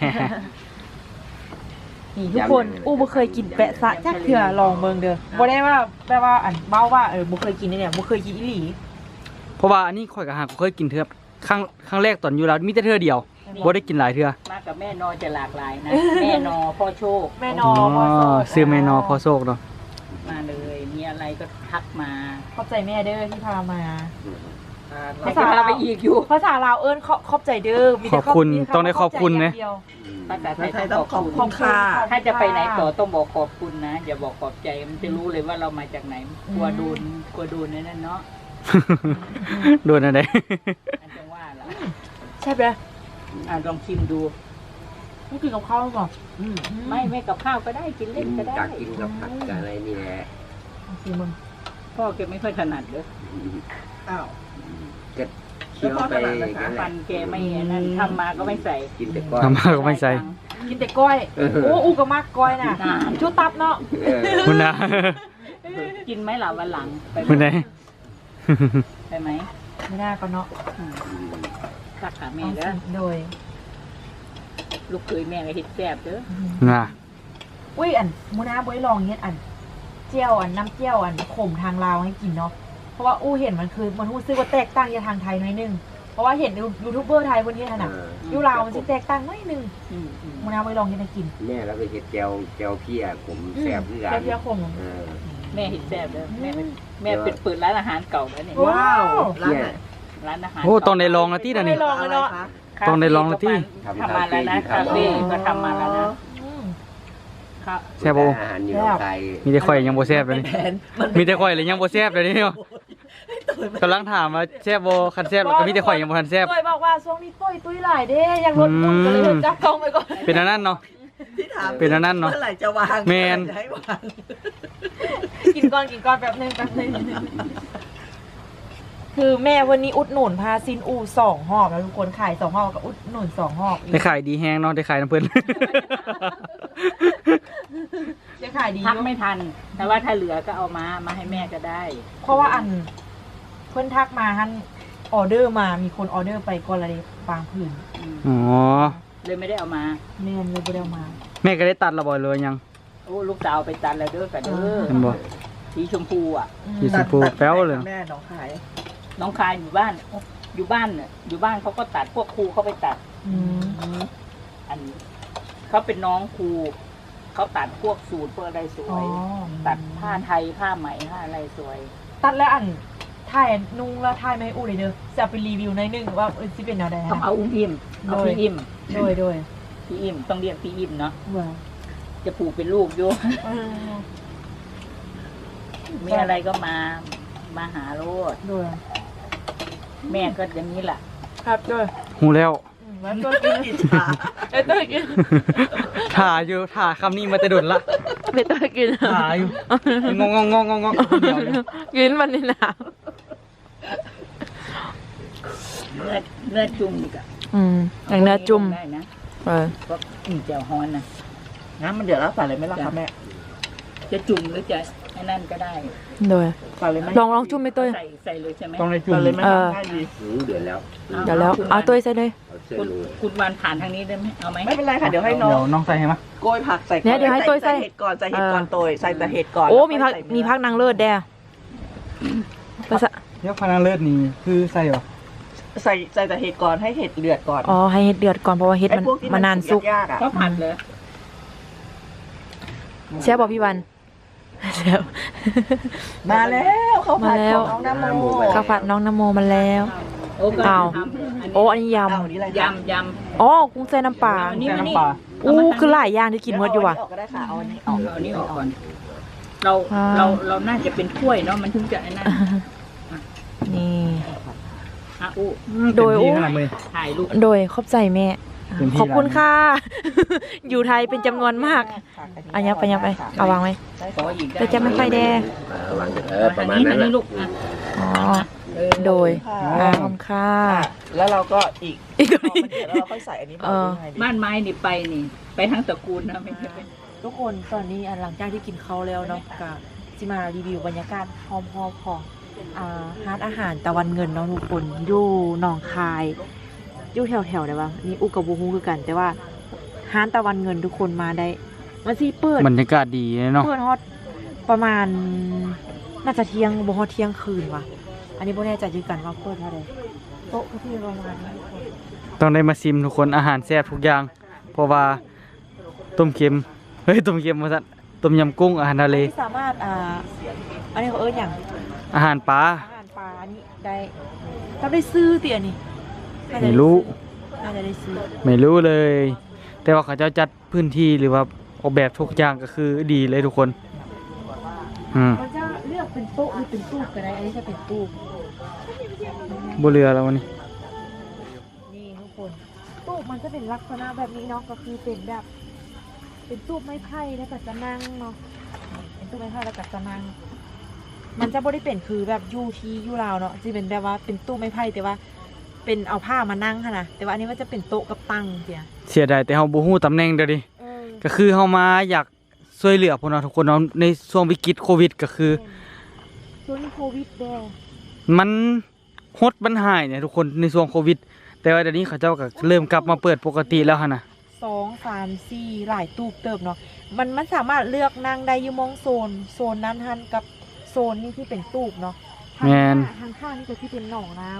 [SPEAKER 1] นี่ทุกคน อู้บ่เคยกินแปะซะจักเถื่อลองเบิ่งเด้อบ่ได้ว่าแปลว่าอันเบ้าว่าเออบ่เคยกินเนี่ยบ่เคยกินอีหลี
[SPEAKER 2] เพราะว่าอันนี้ข่อยกับหากเคยกินเทื่อครั้งครั้งแรกตอนอยู่แล้วมีแต่เทื่อเดียวบ่ได้กินหลายเทื่อ
[SPEAKER 5] มากับแม่นอจะหลากหลายนะ แม่นอพ่อโชค
[SPEAKER 1] แม่น
[SPEAKER 2] อ๋
[SPEAKER 1] อ
[SPEAKER 2] อ
[SPEAKER 1] บ่โซ
[SPEAKER 2] ซื้อแม่นอพอโซกเนาะ
[SPEAKER 5] มาเลย มีอะไรก็ทักมา
[SPEAKER 1] ขอบใจแม่เด้อที่พามา
[SPEAKER 5] แต่จะพาไปอีกอยู่
[SPEAKER 1] ภาษาลาวเอิ้นขอขอบใจเด้อมี
[SPEAKER 2] ข
[SPEAKER 1] แต่
[SPEAKER 2] อบคุณ
[SPEAKER 1] มีแต่
[SPEAKER 2] ต้องได้ขอบคุณนะ
[SPEAKER 1] ขใจย่างเดียว
[SPEAKER 5] ภาษาไท
[SPEAKER 3] ไทย
[SPEAKER 5] ย
[SPEAKER 3] ต้
[SPEAKER 5] ต้
[SPEAKER 3] อ
[SPEAKER 5] อง ง
[SPEAKER 3] ข
[SPEAKER 5] ข
[SPEAKER 3] อ
[SPEAKER 5] อ
[SPEAKER 3] บบ คุ
[SPEAKER 5] คุณ ณ
[SPEAKER 3] ค่ะ
[SPEAKER 5] ถ้าจะไปไหนต่อต้องบอกขอบคุณนะ อย่าบอกขอบใจมันจะรู้เลยว่าเรามาจากไหนกลัวโดนกลัวโดนนั่นเนาะ
[SPEAKER 2] โดนอะไร
[SPEAKER 5] อันจังว่าแล้ว
[SPEAKER 1] ใช่ปะ
[SPEAKER 5] อ่ะลองชิมดู
[SPEAKER 1] นี่กินกับข้าวก่อน
[SPEAKER 3] อืม
[SPEAKER 5] ไม่ไม่กับข้าวก็ได้กินเล่นก็ได้
[SPEAKER 4] จากกินกับผักกับอะไรนี่แหละ
[SPEAKER 1] สิมึง
[SPEAKER 5] พ่อแกไม่ค่อยถนัดเลย
[SPEAKER 3] อ้าว
[SPEAKER 4] ก็เคี้ยวไปอย่างนั้นแห
[SPEAKER 5] ฟั
[SPEAKER 4] ละ
[SPEAKER 5] นแกไม่นั่นทำมาก็ไม่ใส่
[SPEAKER 4] กินแต่ก้อน
[SPEAKER 2] ทำมาก็ไม่ใส่
[SPEAKER 1] กินแต่ก้อย
[SPEAKER 4] เออ
[SPEAKER 1] โอ้อู้ก็มากก้อยน่ะชุดตับเนาะ
[SPEAKER 4] เออ
[SPEAKER 2] คุณนะ
[SPEAKER 5] กินไหมล่ะวันหลังไปไหม
[SPEAKER 2] คุณไหน
[SPEAKER 5] ไปไหม
[SPEAKER 1] ไม่น่าก็เนาะ
[SPEAKER 5] อืมรักขาแม่
[SPEAKER 1] เอา
[SPEAKER 5] เด้อ
[SPEAKER 1] สิโดย
[SPEAKER 5] ลูกเคยแม่ก็เฮ็ดแซ่บเด้อ
[SPEAKER 2] น่ะ
[SPEAKER 1] อุ้ยอันมูนาบ่ได้ลองเฮ็ดอันเจียวอันน้ำเจียวอันขมทางลาวให้กินเนาะเพราะว่าอู้เห็นมันคือมันรู้สึกว่าแตกต่างจากทางไทยหน่อยนึงเพราะว่าเห็นยูทูบเบอร์ไทยคนนี้น่ะอยู่ลาวมันสิแตกต่างหน่อยนึง
[SPEAKER 5] อืมอืม
[SPEAKER 1] มูนาบ่ได้ลองเฮ็ดให้กิน
[SPEAKER 4] แม่แล้วไปเห็ดแก้วแก้วเพี้ยผมแซ่บคือกัน
[SPEAKER 1] แก้วเพี้ยขม
[SPEAKER 4] เออ
[SPEAKER 5] แม่เห็นแซ่บแล้วแม่แม่เป็นเปิดร้านอาหารเก่าแล้วเนี่ย
[SPEAKER 1] ว้าว
[SPEAKER 3] ร้านไหน
[SPEAKER 5] ร้านอาหาร
[SPEAKER 2] โอ้ตอนได้ลองแล้วที่นั่นนี่
[SPEAKER 1] ไม่ลองเลยเนาะ
[SPEAKER 5] คาเฟ่
[SPEAKER 2] ต้องได้ลองแล้วที่
[SPEAKER 5] ทำมาแล้วนะคาเฟ่ก็ทำมาแล้วนะ
[SPEAKER 1] อืม
[SPEAKER 5] ค่ะ
[SPEAKER 2] แซ่บบ่
[SPEAKER 4] อาหารอยู่ในไทย
[SPEAKER 2] มีแต่ข่อยยังบ่แซ่บเลยนี่
[SPEAKER 3] แผนมัน
[SPEAKER 2] มีแต่ข่อยเลยยังบ่แซ่บเลยนี่เนาะกำลังถามว่าแซ่บบ่คันแซ่บแล้วก็มีแต่ข่อยยังบ่ทันแซ่บ
[SPEAKER 1] ต้อยบอกว่าช่วงนี้ต้อยตุ้ยหลายเด้ยังลดหุ่นก็เลยจับกล้องไปก่อน
[SPEAKER 2] เป็นอันนั้นเนาะ
[SPEAKER 3] ที่ถาม
[SPEAKER 2] เป็นอันนั้นเนาะ
[SPEAKER 3] เมื่อไหร่จะวาง
[SPEAKER 2] แมน
[SPEAKER 3] เอไหร่จะให้วาง
[SPEAKER 1] กินก่อนกินก่อนแป๊บนึงแป๊บนึงคือแม่วันนี้อุดหนุนพาซินอูสองหอบแล้วทุกคนขายสองหอบกับอุดหนุนสองหอบ
[SPEAKER 2] ได้ขายดีแฮงเนาะได้ขายน้ำเพิ่น
[SPEAKER 1] จะขายดี
[SPEAKER 5] พัก
[SPEAKER 1] อยู่
[SPEAKER 5] ไม่ทัน แต่ว่าถ้าเหลือก็เอามามาให้แม่ก็ได้
[SPEAKER 1] เพราะว่าอันเพิ่นทักมาฮันออเดอร์มามีคนออเดอร์ไปก่อนเลยบางผืน
[SPEAKER 5] อืม
[SPEAKER 2] อ๋อ
[SPEAKER 5] เลยไม่ได้เอามา
[SPEAKER 1] แม่นเลยบ่ได้เอามา
[SPEAKER 2] แม่ก็ได้ตัดและบ่เลยยัง
[SPEAKER 5] โอ้ลูกสาวไปตัดแล้วเด้อกันเด้อ
[SPEAKER 2] เห็นบ่
[SPEAKER 5] สีชมพูอ่ะ
[SPEAKER 1] อืม
[SPEAKER 2] ที่ชมพูแป๊วเลย
[SPEAKER 3] แม่น้องขาย
[SPEAKER 5] น้องคายอยู่บ้านโอ้อยู่บ้านน่ะอยู่บ้านเขาก็ตัดพวกครูเขาไปตัด
[SPEAKER 1] อืม
[SPEAKER 5] อันเขาเป็นน้องครูเขาตัดพวกสูตรพวกอะไรสว
[SPEAKER 1] อ๋อย
[SPEAKER 5] ตัดผ้าไทยผ้าไหมผ้าอะไรสวย
[SPEAKER 1] ตัดแล้วอันถ่ายนุ่งแล้วถ่ายไม่อู้เลยเด้อจะเอาไปรีวิวในอยหนึงว่าเออสิเป็นแนวใด
[SPEAKER 5] ต้องเอาอุ้มอิมเอา
[SPEAKER 1] โดย
[SPEAKER 5] พี่อิม
[SPEAKER 1] โดยโดย
[SPEAKER 5] พี่อิมต้องเรียกพี่อิมเนาะ
[SPEAKER 1] เบื่อ
[SPEAKER 5] จะผูกเป็นลูกอยู่
[SPEAKER 1] เออ
[SPEAKER 5] มีอะไรก็มามาหาโลด
[SPEAKER 1] โดย
[SPEAKER 5] แม่ก็อย่างนี้แหละ
[SPEAKER 1] ครับโดย
[SPEAKER 2] หูแล้ว
[SPEAKER 1] อืมแล้วตัวกิน
[SPEAKER 3] อิจฉา
[SPEAKER 1] เอ้ยตัวกิน
[SPEAKER 2] ถ่าอยู่ถ่าคำนี้มาแต่โดนละ
[SPEAKER 1] ไม่ตัวกิน
[SPEAKER 2] ถ่าอยู่งงงงงงงงเดียวอยู่
[SPEAKER 1] กินมันนี่นะ
[SPEAKER 5] เนื้อเนื้อจุ่มอีกอะ
[SPEAKER 1] อืมอย่างเนื้อจุ่ม
[SPEAKER 5] ได้นะ
[SPEAKER 1] เออ
[SPEAKER 5] เพราะอืมแจ่วฮอนนะ
[SPEAKER 3] น้ำมันเดือดแล้วใส่เลยไหมล่ะคะแม่
[SPEAKER 5] จะจุ่มหรือจะไอ้นั่นก็ได้
[SPEAKER 1] โดย
[SPEAKER 3] ใส่เลยไหม
[SPEAKER 1] ลองลองจุ่มไปตัว
[SPEAKER 5] ใส่ใส่เลยใช่ไหม
[SPEAKER 2] ต้องได้จุ่ม
[SPEAKER 3] ใส่เลยไหม
[SPEAKER 1] เออ
[SPEAKER 3] ได้ดี
[SPEAKER 4] หืมเดือดแล้ว
[SPEAKER 1] เดี๋ยวแล้วเอาตัวใส่เลย
[SPEAKER 4] เอาเสื้อ
[SPEAKER 5] คุณ
[SPEAKER 4] ลง
[SPEAKER 5] คุณวานผ่านทางนี้ได้ไหมเอาไหม
[SPEAKER 3] ไม่เป็นไรค่ะเดี๋ยวให้น้อ
[SPEAKER 2] เดี๋ย
[SPEAKER 3] ง
[SPEAKER 2] วน้องใส่ให้มา
[SPEAKER 3] โกยผักใส่ก่อน
[SPEAKER 1] เนี่ยเดี๋ยวให้โกยใส่
[SPEAKER 3] เห็ดก่อนใส่เห็ด
[SPEAKER 1] เออ
[SPEAKER 3] ก่อนโตยใส่แต่เห็ดก่อน
[SPEAKER 1] โอ้
[SPEAKER 3] แล้ว
[SPEAKER 1] มีพัก
[SPEAKER 3] ใส่เนื้อ
[SPEAKER 1] มีพักนางเลิศแด่ภาษา
[SPEAKER 2] เดี๋ยวพนังเลิศนี่คือใส่บ่
[SPEAKER 3] ใส่ใส่แต่เห็ดก่อนให้เห็ดเดือดก่อน
[SPEAKER 1] อ๋อให้เห็ดเดือดก่อนเพราะว่าเห็ด
[SPEAKER 3] ไอ้
[SPEAKER 1] มัน
[SPEAKER 3] พวกที่
[SPEAKER 1] มันนานสุก
[SPEAKER 3] ยากๆอ่ะ
[SPEAKER 5] ก็ผัดเลย
[SPEAKER 1] แซ่บบอกพี่วันแซ่บ
[SPEAKER 3] มาแล้วเขาผัด
[SPEAKER 1] มาแล้ว
[SPEAKER 3] ของน้องน้ำโม
[SPEAKER 1] ข้าวผัดน้องนโมมาแล้ว
[SPEAKER 5] โอ้ก็
[SPEAKER 1] อ้าว
[SPEAKER 5] ทำอัน
[SPEAKER 1] โอ้
[SPEAKER 5] นี้
[SPEAKER 1] อันนี้ย
[SPEAKER 3] เอาอันนี้อะไร
[SPEAKER 5] ยำย
[SPEAKER 1] ำอ๋อกุ้งใส่น้ำปลา
[SPEAKER 5] อันนี้
[SPEAKER 2] ใส่น้ำปลา
[SPEAKER 1] อู้คือหลายอย่างที่กินหมดอยู่ว่ะ
[SPEAKER 3] เาอันนี้ออกก็ได้ค่ะเอาอันนี้อ
[SPEAKER 5] ำ
[SPEAKER 3] อก
[SPEAKER 5] เอาอันนี้ออกก่อน เรา
[SPEAKER 1] อ่า
[SPEAKER 5] เราเราน่าจะเป็นถ้วยเนาะมันถึงจะไอ้นั่น
[SPEAKER 1] นี่
[SPEAKER 5] อ่ะอู้
[SPEAKER 1] โดย
[SPEAKER 2] เต็มที่ขนาดเลย
[SPEAKER 5] ถ่ายรูป
[SPEAKER 1] โดยขอบใจแม่
[SPEAKER 2] เต็มที่
[SPEAKER 1] ขอบคุณค่ะ อยู่ไทยเป็นจำนวนมากอันยับไปยับไปเอาวางไว้
[SPEAKER 5] ขออีกได้
[SPEAKER 1] แต่จะไม่ค่อยแดง
[SPEAKER 4] เออวางเออประมาณ
[SPEAKER 5] ท
[SPEAKER 4] นั้น
[SPEAKER 5] ง
[SPEAKER 4] แหละ
[SPEAKER 5] ลูกอ่ะ
[SPEAKER 1] อ๋อ
[SPEAKER 5] เออ
[SPEAKER 1] โดย
[SPEAKER 3] ค่ะ
[SPEAKER 1] อ่าขอบคุณค่ะ
[SPEAKER 3] แล้วเราก็อีก
[SPEAKER 1] อีก
[SPEAKER 3] พ
[SPEAKER 1] ตัว
[SPEAKER 3] อ
[SPEAKER 1] นี้
[SPEAKER 3] มันเดือดแล้วเราค่อยใส่อันนี้
[SPEAKER 1] เออ
[SPEAKER 3] ไปดี
[SPEAKER 5] บ้านไม้นี่ไปนี่ ไปทั้งตระกูลนะไม่ใช่เป็น
[SPEAKER 1] ทุกคนตอนนี้อ่ะหลังจากที่กินข้าวแล้วเนาะก็จะมารีวิวบรรยากาศหอมๆของอ่าร้านอาหารตะวันเงินเนาะทุกคนอยู่หนองคายอยู่แถวๆได้ปะนี่อุกกับบูฮูคือกัน แต่ว่าร้านตะวันเงินทุกคนมาได้มันสิเปิด
[SPEAKER 2] บรรยากาศดีเนาะ
[SPEAKER 1] เปิดฮอตประมาณน่าจะเที่ยงบ่ฮอตเที่ยงคืนว่ะอันนี้บ่แน่ใจคือกันว่าเปิดเท่าใดโต๊ะก็ที่ประมาณนี้ทุกคน
[SPEAKER 2] ต้องได้มาซิมทุกคนอาหารแซ่บทุกอย่าง เพราะว่าต้มเค็มเฮ้ยต้มเค็มมาสั่นต้มยำกุ้งอาหารทะเล
[SPEAKER 1] ที่สามารถอ่าอันนี้เขาเอิ้นอย่าง
[SPEAKER 2] อาหารปลา
[SPEAKER 1] อาหารปลาอันนี้ได้เราได้ซื้อเตี่ยนี่น่าจะ
[SPEAKER 2] ไม่
[SPEAKER 1] ด้
[SPEAKER 2] รู้
[SPEAKER 1] น่าจะได้ซื้อ
[SPEAKER 2] ไม่รู้เลย แต่ว่าเขาเจ้าจัดพื้นที่หรือว่าออกแบบทุกอย่างก็คือดีเลยทุกคนอืม
[SPEAKER 1] มันจะเลือกเป็นโต๊ะหรือเป็นตู้ก็ได้อันนี้จะเป็นตู้
[SPEAKER 2] บ่เรือแล้ววันนี้
[SPEAKER 1] นี่ทุกคนตู้มันจะเป็นลักษณะแบบนี้เนาะก็คือเป็นแบบ เป็นตู้ไม้ไผ่แล้วก็จะนั่งเนาะเป็นตู้ไม้ไผ่แล้วก็จะนั่งมันจะบ่ได้เป็นคือแบบยูทียูราวเนาะจะเป็นแบบว่าเป็นตู้ไม้ไผ่แต่ว่า เป็นเอาผ้ามานั่งค่ะนะแต่ว่าอันนี้มันจะเป็นโต๊ะกับตังเสีย
[SPEAKER 2] เสียดายแต่เฮาบ่ฮู้ตำแหน่งเด้อดิ
[SPEAKER 1] เออ
[SPEAKER 2] ก็คือเฮามาอยากช่วยเหลือพวกเราทุกคนเนาะในช่วงวิกฤตโควิดก็คือ
[SPEAKER 1] ช่วงนี้โควิดแดง
[SPEAKER 2] มันฮดมันหายเนี่ยทุกคนในช่วงโควิด แต่ว่าเดี๋ยวนี้เขาเจ้าก็เริ่มกลับมาเปิดปกติแล้วหั่นน่ะ
[SPEAKER 1] สองสามสี่หลายตู้เติบเนาะมันมันสามารถเลือกนั่งได้อยู่มองโซนโซนนั้นหันกับโซนนี้ที่เป็นตูบเนาะทาง
[SPEAKER 2] แม่น
[SPEAKER 1] ทางข้างนี่ก็ที่เป็นหนองน้ำ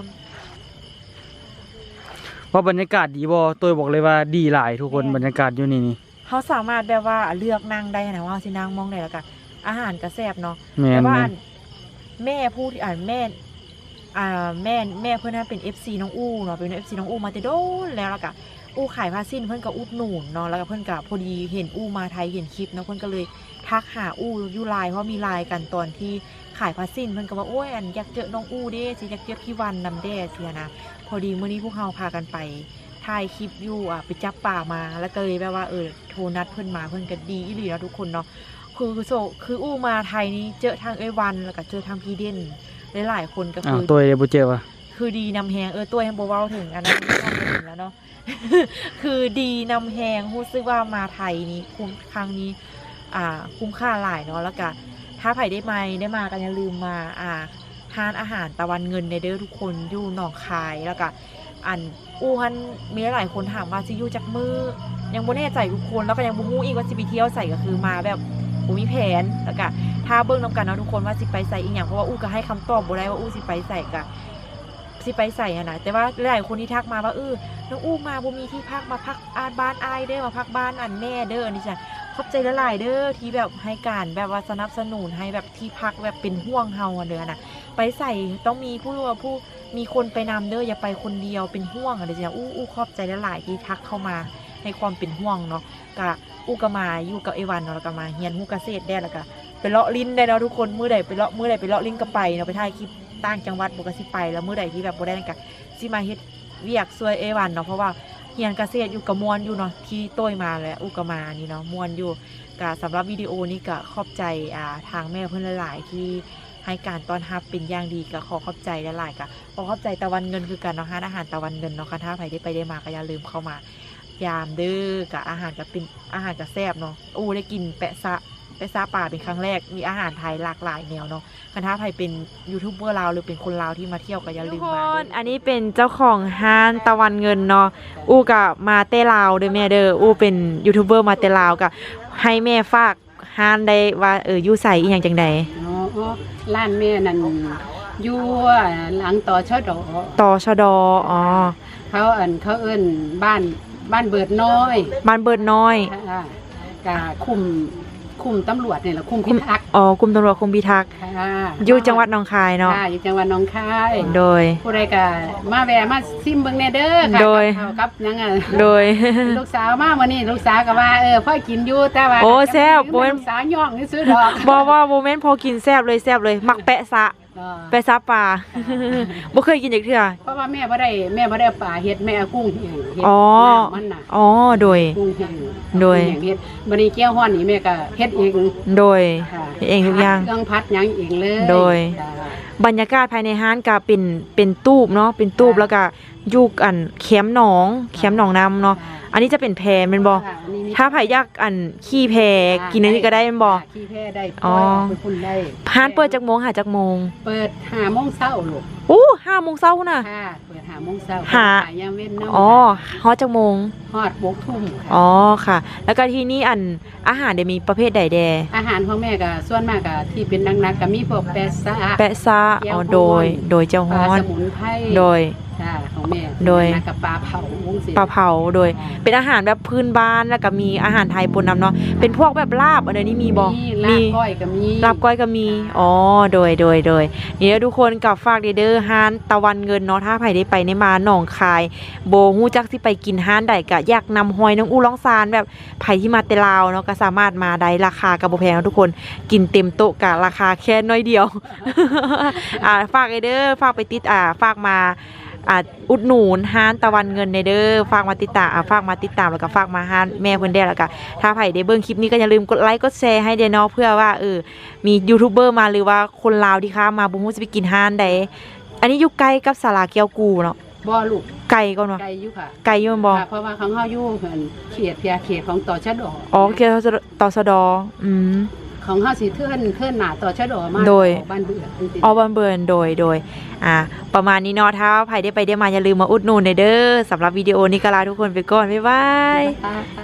[SPEAKER 2] ว่าบรรยากาศดีบ่ตัวบอกเลยว่าดีหลายทุกคนบรรยากาศอยู่นี่นี่
[SPEAKER 1] เขาสามารถแบบว่าเลือกนั่งได้นะว่าสินั่งมองได้แล้วก็อาหารก็แซ่บเนาะ
[SPEAKER 2] แม่น
[SPEAKER 1] แต่ว่า
[SPEAKER 2] แม่
[SPEAKER 1] อั
[SPEAKER 2] น
[SPEAKER 1] นแม่ผู้ที่อ่านแม่อ่าแม่แม่เพื่อนนั้นเป็น เอฟ ซี น้องอู้เนาะเป็น เอฟ ซี น้องอู้มาแต่โดนแล้วแล้วก็อู้ขายผ้าสิ้นเพื่อนก็อุดหนุนเนาะแล้วก็เพื่อนก็พอดีเห็นอู้มาไทยเห็นคลิปเนาะเพื่อนก็เลยทักหาอู้อยู่ไลน์เพราะมีไลน์กันตอนที่ขายผ้าสิ้นเพื่อนก็ว่าโอ้ยอันอยากเจอน้องอู้เด้สิอยากเจอพี่วันนำเด้เสียนะพอดีเมื่อนี้พวกเราพากันไปถ่ายคลิปอยู่อ่ะไปจับป่ามาแล้วก็เลยแบบว่าเออโทรนัดเพื่อนมาเพื่อนก็ดีอีหลีเนาะทุกคนเนาะคือโซคืออู้มาไทยนี้เจอทางเอ้ยวันแล้วก็เจอทางพี่เด่นหลายๆคนก็
[SPEAKER 2] อ้า
[SPEAKER 1] คื
[SPEAKER 2] ว
[SPEAKER 1] อ
[SPEAKER 2] ตัวเดี๋ยวบ่เจอว่ะ
[SPEAKER 1] คือดีนำแหงเออตัวแฮมโบเวลถึงอันนั้น ไม่ต้องถึงแล้วเนาะ คือดีนำแหงรู้สึกว่ามาไทยนี้คุ้มครั้งนี้อ่าคุ้มค่าหลายเนาะแล้วก็ถ้าไผ่ได้มาได้มากันอย่าลืมมาอ่าทานอาหารตะวันเงินในเด้อทุกคนอยู่หนองคายแล้วก็อันอู้ฮันมีหลายคนถามว่าสิอยู่จักมือยังบ่แน่ใจทุกคนแล้วก็ยังบ่ฮู้อีกว่าสิไปเที่ยวใส่ก็คือมาแบบบ่มีแผนแล้วก็ถ้าเบิ่งนำกันเนาะทุกคนว่าสิไปใส่อีหยังเพราะว่าอู้ก็ให้คำตอบบ่ได้ว่าอู้สิไปใส่ก็สิไปใส่อะนะแต่ว่าหลายคนที่ทักมาว่าเออน้องอู้มาบ่มีที่พักมาพักอาบ้านอายเด้อมาพักบ้านอันแม่เด้ออันนี้จ้ะขอบใจหลายๆเด้อที่แบบให้การแบบว่าสนับสนุนให้แบบที่พักแบบเป็นห่วงเฮาอะเด้อนะไปใส่ต้องมีผู้รู้ผู้มีคนไปนำเด้ออย่าไปคนเดียวเป็นห่วงอะเด้อจ้ะอู้อู้ขอบใจหลายๆที่ทักเข้ามาให้ความเป็นห่วงเนาะกะอู้ก็มาอยู่กับไอวันเนาะแล้วก็มาเฮียนฮู้เกษตรได้แล้วก็ไปเลาะลิ้นได้เนาะทุกคนมื้อใดไปเลาะมื้อใดไปเลาะลิ้นก็ไปเนาะไปถ่ายคลิปต่างจังหวัดบ่ก็สิไปแล้วมื้อใดที่แบบบ่ได้นั่นก็สิมาเฮ็ดเวียกช่วยไอวันเนาะเพราะว่าเฮียนเกษตรอยู่กับมวนอยู่เนาะที่โต้ยมาแล้วอู้ก็มานี่เนาะมวนอยู่ก็สำหรับวิดีโอนี้ก็ขอบใจอ่าทางแม่เพิ่นหลายๆที่ให้การต้อนรับเป็นอย่างดีก็ขอขอบใจหลายๆก็ขอขอบใจตะวันเงินคือกันเนาะร้านอาหารตะวันเงินเนาะค่ะถ้าใครได้ไปได้มาก็อย่าลืมเข้ามายามเด้อกับอาหารก็เป็นอาหารก็แซ่บเนาะอู้ได้กินแปะซะแปะซะป่าเป็นครั้งแรกมีอาหารไทยหลากหลายแนวเนาะคันถ้าใครเป็นยูทูบเบอร์ลาวหรือเป็นคนลาวที่มาเที่ยวก็อย่าลืมมาอันนี้เป็นเจ้าของห้านตะวันเงินเนาะอู้กับมาเต้ลาวเด้อแม่เด้ออู้เป็นยูทูบเบอร์มาเต้ลาวกับให้แม่ฝากห้านได้ว่าเอออยู่ใส่อีหยังจังใด
[SPEAKER 5] อ๋อร้านแม่นั่นอยู่หลังต่อชดอ
[SPEAKER 1] ตชดอ๋อ
[SPEAKER 5] เขาเอิ้นเขาเอิ้นบ้านบ้านเบิดน้อย
[SPEAKER 1] บ้านเบิดน้อย
[SPEAKER 5] ค่ะกะคุมคุมตำรวจนี่แหละคุมพิทักษ์
[SPEAKER 1] อ๋อกรมตำรวจคุมพิทักษ์
[SPEAKER 5] ค่ะ
[SPEAKER 1] อยู่จังหวัดหนองคายเนาะ
[SPEAKER 5] ค่ะอยู่จังหวัดหนองคาย
[SPEAKER 1] โดย
[SPEAKER 5] ผู้ใดก็มาแวะมาซิมเบิ่งแน่เด้อค่ะ
[SPEAKER 1] โดย
[SPEAKER 5] กับข้าวกับหยังอ่ะ
[SPEAKER 1] โดย
[SPEAKER 5] ลูกสาวมามื้อนี้ลูกสาวก็ว่าเออพ่อกินอยู่แต่ว่า
[SPEAKER 1] โอ้แซ่บบ่
[SPEAKER 5] บ่
[SPEAKER 1] แม่น
[SPEAKER 5] ลูกสาวย่องนี่ซื้อดอก
[SPEAKER 1] บอกว่าโมเมนต์พอกินแซ่บเลยแซ่บเลย มักแปะซะ
[SPEAKER 5] อ๋อ
[SPEAKER 1] แปะซะปลา บ่เคยกินจักเทื่อ
[SPEAKER 5] เพราะว่าแม่บ่ได้แม่บ่ได้เอาปลาเฮ็ดแม่เอากุ้งเฮ็ดเฮ็ด
[SPEAKER 1] อ๋อ
[SPEAKER 5] น้ำมันน่ะ
[SPEAKER 1] อ๋อโดย
[SPEAKER 5] กุ้งเฮ็ด
[SPEAKER 1] โดย
[SPEAKER 5] กุ้งเฮ็ดบัดนี้แก้วฮ้อนนี่แม่ก็เฮ็ดเอง
[SPEAKER 1] โดย
[SPEAKER 5] ค่ะ
[SPEAKER 1] เองทุกอย่าง
[SPEAKER 5] เครื่องพัดหยังเองเลย
[SPEAKER 1] โดย
[SPEAKER 5] จ้ะ
[SPEAKER 1] บรรยากาศภายในห้านก็เป็นเป็นตูบเนาะเป็นตูบแล้วก็อยู่อันแคมป์หนองแคมป์หนองน้ำเนาะอันนี้จะเป็นแพแม่นบ่
[SPEAKER 5] ค่ะอันนี้มี
[SPEAKER 1] ถ้าไผอยากอันขี่แพกินอันนี้ก็ได้แม่นบ่
[SPEAKER 5] ขี้แพ้ได้
[SPEAKER 1] อ๋อ
[SPEAKER 5] ไปพุ่นได้
[SPEAKER 1] ห้านเปิดจักโมงหาจักโมง
[SPEAKER 5] เปิดห้าโมงเช้าลูก
[SPEAKER 1] โอ้ห้าโมงเช้าน่ะ
[SPEAKER 5] ค่ะเปิดห้าโมงเช้า
[SPEAKER 1] หา
[SPEAKER 5] ขายยามเว้นเนาะ
[SPEAKER 1] อ๋อฮอดจักโมง
[SPEAKER 5] ฮอดบกทุ่มค่ะ
[SPEAKER 1] อ๋อค่ะ แล้วก็ที่นี่อันอาหารเดี๋ยวมีประเภทใดแด
[SPEAKER 5] อาหารของแม่ก็ส่วนมากก็ที่เป็นนักๆก็มีพวกแปะซะ
[SPEAKER 1] แปะซา
[SPEAKER 5] เจียว
[SPEAKER 1] อ๋อ
[SPEAKER 5] ฮ้อน
[SPEAKER 1] โดย โดยเจ้า
[SPEAKER 5] ป
[SPEAKER 1] ฮ้
[SPEAKER 5] ลา
[SPEAKER 1] อน
[SPEAKER 5] สมุนไพร
[SPEAKER 1] โดย
[SPEAKER 5] ค่ะของแม่
[SPEAKER 1] โดย
[SPEAKER 5] นักกับปลาเผาวุ้งสิ
[SPEAKER 1] ปลาเผาโดย เป็นอาหารแบบพื้นบ้านแล้วก็มีอาหารไทยปนนำเนาะเป็นพวกแบบลาบอะไรนี่มีบ่
[SPEAKER 5] ลาบก้อยก็มี
[SPEAKER 1] ลาบก้อยก็มีอ๋อโดยโดยโดยนี่ทุกคนกับฝากเด้อห้านตะวันเงินเนาะถ้าไผได้ไปในมาหนองคายโบฮู้จักสิไปกินห้านใดก็อยากนำหอยน้องอูร้องซานแบบไผที่มาแต่ลาวเนาะก็สามารถมาได้ราคาก็บ่แพงเนาะทุกคนกินเต็มโต๊ะก็ราคาแค่น้อยเดียว อ่าฝากเด้อฝากไปติดอ่าฝากมาอ่าอุดหนุนห้านตะวันเงินในเด้อฝากมาติดตามอ่าฝากมาติดตามแล้วก็ฝากมาห้านแม่เพิ่นได้แล้วก็ถ้าไผได้เบิ่งคลิปนี้ก็อย่าลืมกดไลค์กดแชร์ให้เด้อเนาะเพื่อว่าเออมียูทูบเบอร์มาหรือว่าคนลาวที่ข้ามมาบ่ฮู้สิไปกินห้านใดอันนี้อยู่ใกล้กับศาลาแก้วกูเนาะ
[SPEAKER 5] บ่ลูก
[SPEAKER 1] ไกลก่อนเนาะ
[SPEAKER 5] ไก่อยู่ค่ะ
[SPEAKER 1] ไกลอยู่แม่นบ่
[SPEAKER 5] ค่ะเพราะว่าของเฮาอยู่เพิ่นเขตเพียเขตของต่อชะดอ
[SPEAKER 1] อ๋อเกี่ยวกับตสดอืม
[SPEAKER 5] ของเฮาสิเทื่อนเทื่อนหน้าต่อชะดอมา
[SPEAKER 1] โดย
[SPEAKER 5] บ้านเบื่อจริงๆ
[SPEAKER 1] อ๋อบันเบิร์นโดยโดยอ่าประมาณนี้เนาะถ้าใครได้ไปได้มาอย่าลืมมาอุดหนุนเด้อสำหรับวิดีโอนี้ก็ลาทุกคนไปก่อนบ๊ายบาย
[SPEAKER 5] ค่ะ